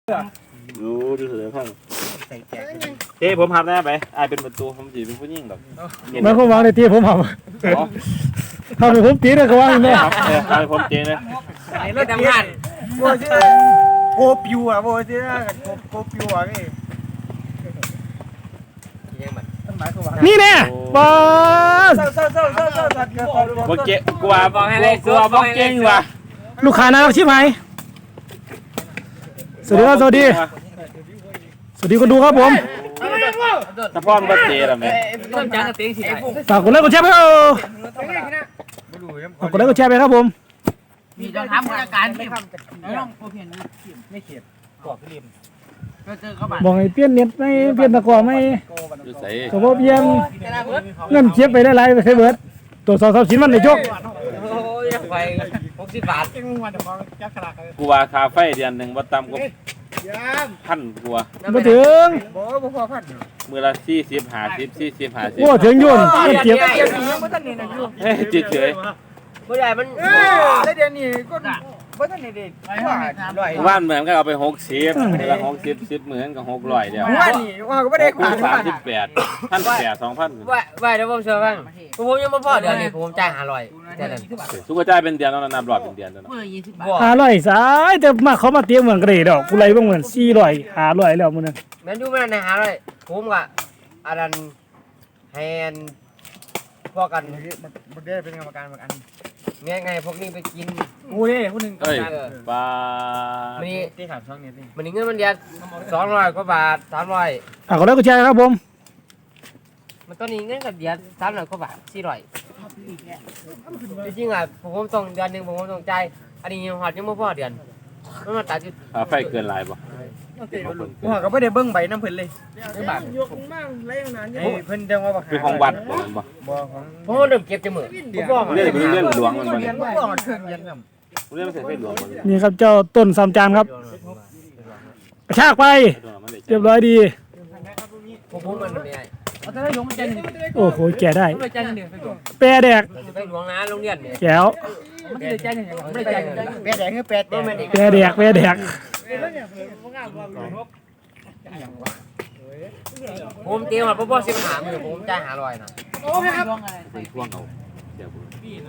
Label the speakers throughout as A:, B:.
A: ดูเสือข้างเต้ผมหับหน้าไปอายเป็นประตูผมจีเป็นผู้ยิ่งแบบ
B: มันก็วางในที่ผมหับทำให้ผมตีเลยก็วางเลย
A: ครับทำให้ผมเจ๊นะ
C: ไอ้รถทำงานโบชื่อโกปิวอ่ะโบชื่อโกปิวอ่ะ
B: นี่แน่บอส
A: บ่เจ๊กว่าบ่เก่งว่ะ
B: ลูกค้าน่ารักชิบหายสวัสดีครับสวัสดีคนดูครับผม
A: ถ้าพ่อมันบ่เจ๊ล่ะแม่
B: ฝากกดไลค์กดแชร์ไปฝากกดไลค์กดแชร์ไปครับผม
C: มีจะทำราชการไม่ทำต้องโอเคนะไม่เขียนกรอบพิมพ์ก็เจอเขาบ้าน
B: บอกให้เปลี่ยนเน็ตไม่เปลี่ยนตะกร้อไม่สมมติยังเงินเก็บไปได้ไรไปใช้เบิร์ดตัวสอบชิ้นมันในโชค
C: ไป60 บาท
A: กูว่าคาเฟ่เดือนหนึ่งบ่ต่ำกว่า1,000กว่า
B: มาถึง
A: มื้อละ40 50
B: โอ้ถึงยุ่นเก็บ
A: เฉย
C: บ่ใหญ่มันได้เดือนนี้ก็บ่ทันได้เด็ด
A: ว่านเหมือนกันเอาไป60มื้อละ60 10มื้อก็600เดียว
C: ว่านี่ว่าก็บ่ได้ผ่าน
A: 38 1,800 2,000
C: ว่าเดี๋ยวผมเชื่อบ้างผมยังบ่พอเดือนนี้ผมจ่าย500แค่นั้น
A: สุกจ่ายเป็นเดือนแล้วนับรอบเป็นเดือนแล้วเนาะ
B: 500สายแต่มาเขามาเตรียมเหมือนกระเดดอกกูไล่บ้างเหมือน400 500แล้วมึงนั่น
C: แม่นอยู่มันใน500ผมก็อันนั้นแฮนพวกกันบ่ได้เป็นกรรมการบางอันแง่ไงพวกนี้ไปกิน
B: กูเด้ผู้นึง
A: ปลา
C: มันนี่ที่ถามช่องนี้สิมันนี่เงินมันเดือน200 กว่าบาท300
B: ก็ได้กูแชร์ครับผม
C: มันตอนนี้เงินกับเดือน300 กว่าบาท400จริงๆอ่ะผมต้องเดือนนึงผมต้องจ่ายอันนี้หอดยังบ่พอเดือนมันมาตัดอยู่
A: ไฟเกินหลายบ่
C: ผมก็บ่ได้เบิ่งใบน้ำเพิ่นเลยบาทยกมาไล่นานเพิ่นจังว่าบ่
A: คือของวัดบ่บ่
C: ของผมเริ่มเก็บจะมื้อบ่ฟ้อง
A: เรื่องหลวงมันบ่
C: เนี่ยบ่ฟ้องเครื่องยันน
A: ำเรื่องใส่ไฟหลวงบ่
B: นี่ครับเจ้าต้น3 จานครับกระชากไปเรียบร้อยดี
C: ผมมันไม่ได้
B: โอ้โหแก่ได้แปรแดก
C: ไปหลวงนะโรงเรียนเนี่ย
B: แก้ว
C: แปรแดกคือแปรแดก
B: แปรแดก
C: ผมเตรียมมาพ่อ15 มื้อผมจ่าย500นะ
A: โอ้ครับไปทวงเอาเดี๋ยว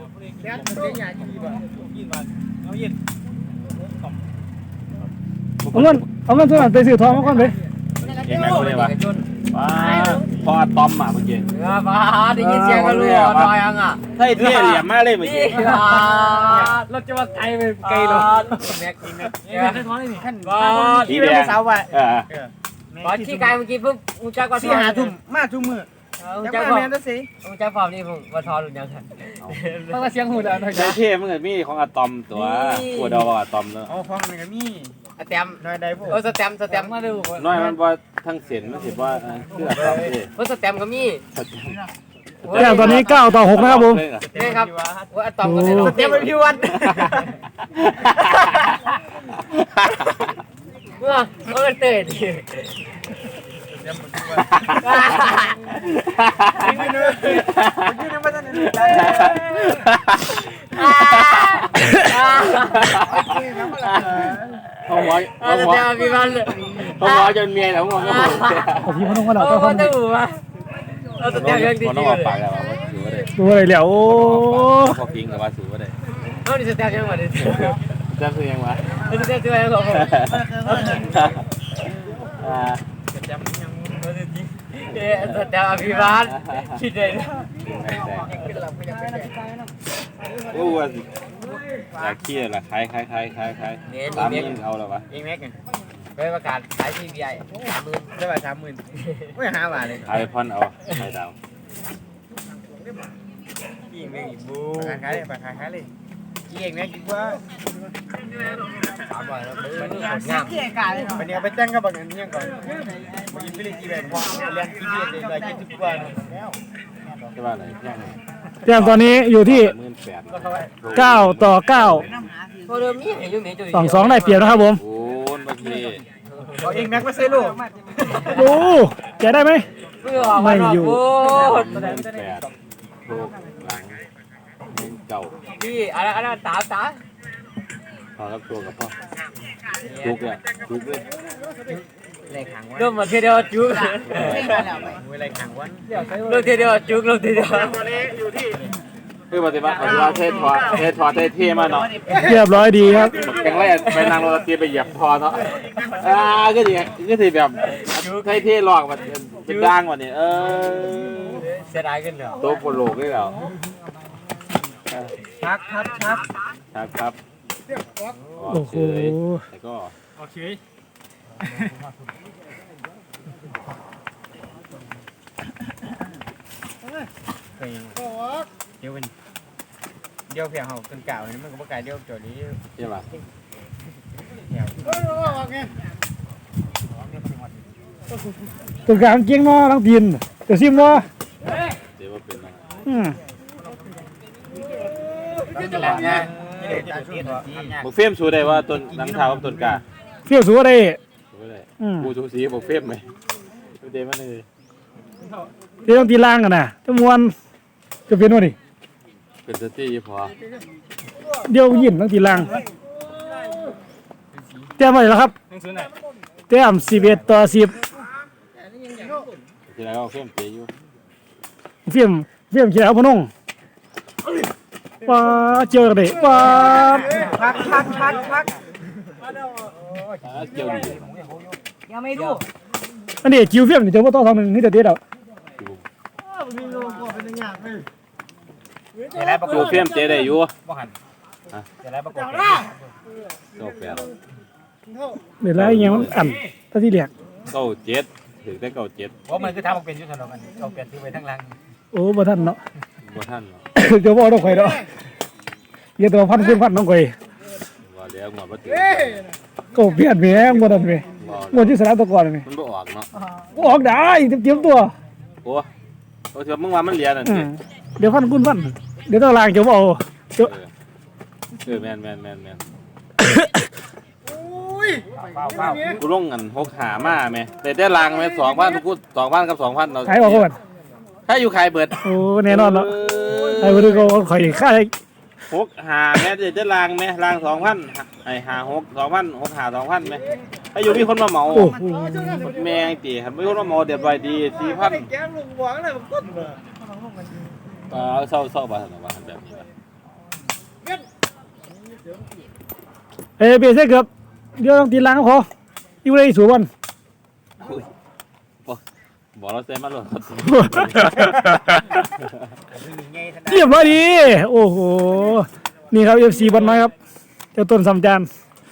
B: เอาเงินส่วนนั้นไปซื้อทองมาก่อนไป
A: เองแม่บ่ได้ว่าพอตอมมาเมื่อกี้
C: ป้าได้ยินเสียงกันรู้น้อยอังอ่ะ
A: เท่เหลี่ยมมากเลยเมื่อกี้
C: รถจะมาไกลไปไกลรถแม็กกินนะได้ท้องนี่ขั้นที่เป็นสาวว่ะบอสขี้ไกลเมื่อกี้ปุ๊บมึงจักว่า
B: 4 ทุ่มมาทุกมื้อ
C: จักว่าแม่นสิมึงจักฟอร์มนี่ผมว่าทอหรือยังครับเพราะว่าเสียงหูดังหน่อย
A: เท่มันก็มีของอะตอมตัวดอกอะตอมเนาะ
C: อ๋อของมันก็มีแตมน้อยใดพวกสแตมมาดู
A: น้อยมันว่าทั้งเส้นมันสิว่าคืออะตอมเด้
C: สแตมก็มี
B: อย่างตอนนี้9-6นะครับผม
C: นี่ครับว่าอะตอมก็สแตมเป็นพี่วัดเมื่อเตะดิ
A: เขาหมอจนเมียแล้วหมอก็
B: บอกพี่เขาต้องมาเรา
C: ต้องดูว่าเราจะเตะยังดี
A: ๆเลยปากแล้วว่าสูบ่ได้
B: ดูอะไรแล้วโอ้
A: พอพิงกับว่าสูบ่ได้
C: เอาดิสเตะยังว่าดิ
A: จะคือยังวะ
C: สเตะยังของผมจำยังบ่ได้จริงสเตะอภิบาลคิดได้
A: โอ้ว่าอยากขี้ละคล้าย30,000เอาแล้ววะ
C: อีกแม็กไปประกาศขาย PBI 30,000ได้ป่ะ 30,000ไม่5 บาทเลย
A: ขายพ่อนเอาขายดาว
C: อีกแม็กอีกบูขายเลยอีกแม็กดีกว่า3 บาทแล้วมันงามวันนี้ไปแต่งกับบักนี้ก่อนมากินฟิลิปปินส์พอเรียน PBI ได้70 กว่าแล้ว
A: จะว่าอะไร
B: เรื่องตอนนี้อยู่ที่9-9 2-2ได้เปรียบนะครับผม
A: โอ้เมื่อกี้
C: เอาเองแม็กมาใส่ลูก
B: ดูแกได้ไหมไม่อยู่
A: 8ลูกหลังเก่า
C: พี่อะไรตา
A: พอรับตัวกับพ่อจุกเลย
C: เริ่มมาเทีเดียวจุกเริ่มเทีเดียวจุกเริ่มเทีเดียว
A: คือปฏิบัติเทศทอเท่มาเนาะ
B: เรียบร้อยดีครับ
A: แข็งแรงไปนางโรตีไปเหยียบทอเนาะก็ดีก็ถือแบบเท่หลอกมันเป็นด่างกว่านี้
C: เสียดายกันเหรอ
A: โตโปโลกได้แล้ว
C: ชัก
A: ครับ
B: โอ้โห
A: แล้วก็โอเค
C: เดี๋ยวเพียงเขาเป็นเก่านี่มันก็บ่ไกลเดี๋ยวจอดนี้
A: ใช่ป่ะ
B: ตัวกลางเกียงนอทั้งตีนเดี๋ยวซิมเนาะ
A: เดี๋ยวว่าเป็นนะ บอกเฟมสูได้ว่าต้นน้ำเท้ากับต้นกา
B: เที่ยวสัวได้
A: สูได้กูสูสีบอกเฟมไหมเดมันเลย
B: เดี๋ยวต้องตีล่างกันนะจะมวนจะเป็นว่าดิ
A: เป็นสตี้พอ
B: เดี๋ยวยินต้องตีล่างเตรียมไว้แล้วครับเตรียม11-10
A: ทีไรก็เฟมเตะอยู่
B: เฟียมเขียวพนงป้าเจอกันดิป้า
C: ชัก
A: เกี่ยวดี
C: ยังไม่รู้
B: อันนี้จิวเฟียมนี่เจอว่าต่อทางหนึ่งนี่เด็ดเอา
A: กูเฟมเตะได้อยู่
C: ประกอบ
A: ก็แปด
B: เดี๋ยวแล้วยังอันตาที่เหลียก
A: 97ถึงได้97
C: เพราะมันคือทำเป็นยุทธนมันเอาเปลี่ยนซื้อไปทั้งรัง
B: โอ้บ่ทันเนาะ
A: บ่ท่านเนาะ
B: เดี๋ยวบ่ต้องข่อยเนาะเดี๋ยวตัวพันขึ้นพันน้องข่อย
A: ว่าเดี๋ยวงวดบ่ถึง
B: ก็เปลี่ยนแม่งบ่ทันแม่งวดที่สนามตะกอนนี่
A: มันบ่ออกเนาะ
B: ออกได้เตรียมตัว
A: โอ้ถือว่ามึงว่ามันเหรียญนั่นสิ
B: เดี๋ยวพันขึ้นพันเดี๋ยวต้องล้างจะบ่เอา
A: แม่น
C: เปล่า
A: กูลงเงิน6หามาแม่แต่ได้ลางแม่2,000กู2,000กับ2,000เรา
B: ขายออกก่อน
A: ถ้าอยู่ขายเบิด
B: โอ้แน่นอนแล้วไอ้บ่ได้ก็ข่อยค่า
A: 6หาแม่ได้ลางแม่ลาง 2,000ไอ้หา6 2,000 6หา 2,000แม่ถ้าอยู่มีคนมาเหมา
B: โอ้โห
A: แม่งติครับมีคนมาเหมาเดี๋ยวไปดี 4,000
C: แก้มลุงหวังเลยมันก็
A: เศร้าบ่ซั่นว่าแบบนี้
B: เอ้ยเปลี่ยนเสื้อเกือบเดี๋ยวต้องตีล้างพออยู่ในสวน
A: บอกเราเซ็นมาหลด
B: เรียบร้อยดีโอ้โหนี่ครับ FC บอลน้อยครับเจ้าต้นสำจาน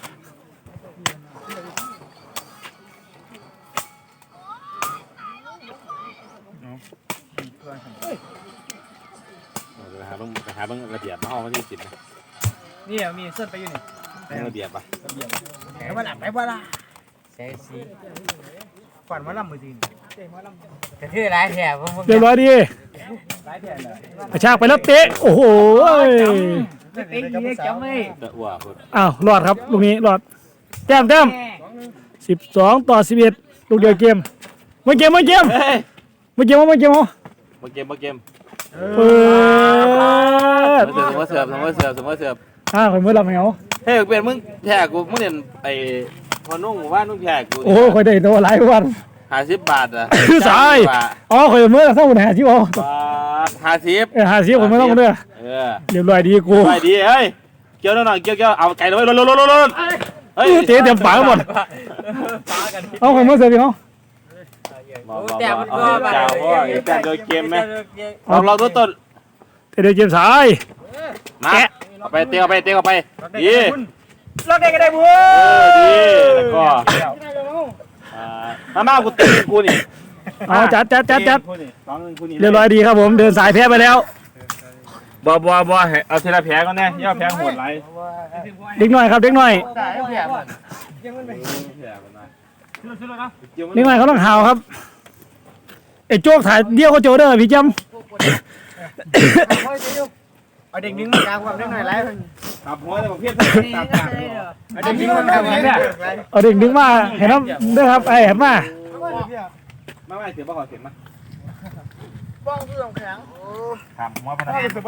A: หาเบิ่งระเบียบมาเอามาที่10นะ
C: นี่มีเส้นไปอยู่นี่
A: ระเบียบป่ะ
C: ไหนว่าหลับไหนว่าล่ะใช่สิฝันว่าลำมือจีนกระทือร้ายแถบ
B: เรียบร้อยดีกระชากไปแล้วเตะโอ้โห
C: ไม่เป็นยี่จำไม่
A: ตะอ้วก
B: อ้าวรอดครับลูกนี้รอดแต้ม12-11ลูกเดียวเกมมาเกม
A: เฮ้ย
B: เอา
A: มาเกม
B: เปิด
A: เสิร์ฟ
B: ข่อยมือลำเหว
A: เฮ้ยเป็นมึงแพ้กูมึงเรียนไอ้พอนุ่งว่านุ่งแพ้กู
B: โอ้ข่อยได้ตัวหลายวัน
A: 50 บาทอ่ะ
B: คือสายอ๋อข่อยมือละเท่าไหร่50เอา
A: บาท50
B: 50ข่อยไม่ต้องเด้อเรียบร้อยดีกู
A: ไปดีเฮ้ยเกี่ยวหน่อยเกี่ยวเอาไก่เลยลนเฮ้ย
B: เตะเต็มปากหมดเอาข่อยมือเสิร์ฟพี่น้อง
A: แต่มันก็เจ้าพ่อแต่โดยเกมไหมเราตัวต้น
B: เตะเดียวเกมสาย
A: มาเอาไปเตะเอาไปดี
C: รถได้ก็ได้บัว
A: ดีแล้วก็มากูตีกูนี่
B: เอาจัด
A: 2-1
B: เรียบร้อยดีครับผมเดินสายแพ้ไปแล้ว
A: บ่เอาทีละแผลก่อนแน่ย่อแผลโหดไร
B: เด็กหน่อยครับเด็กหน่อยเด็กหน่อยเขาต้องหาวครับไอ้โจ๊กถ่ายเดี่ยวเขาโจเด้อพี่จำ
C: เอาเด็กนึงมากลางความได้หน่อยไร
A: ขับหัวแต่ผมเพี้ยนตาม
C: เด็กนึงมันทำไงเนี่ย
B: เอาเด็กดึงมาเห็นน้ำเด้อครับไอ้เห็นมา
A: ไม่เสียบ่ขอเสียมา
C: บ้องคือสองแข็ง
A: ขับหัวพนัน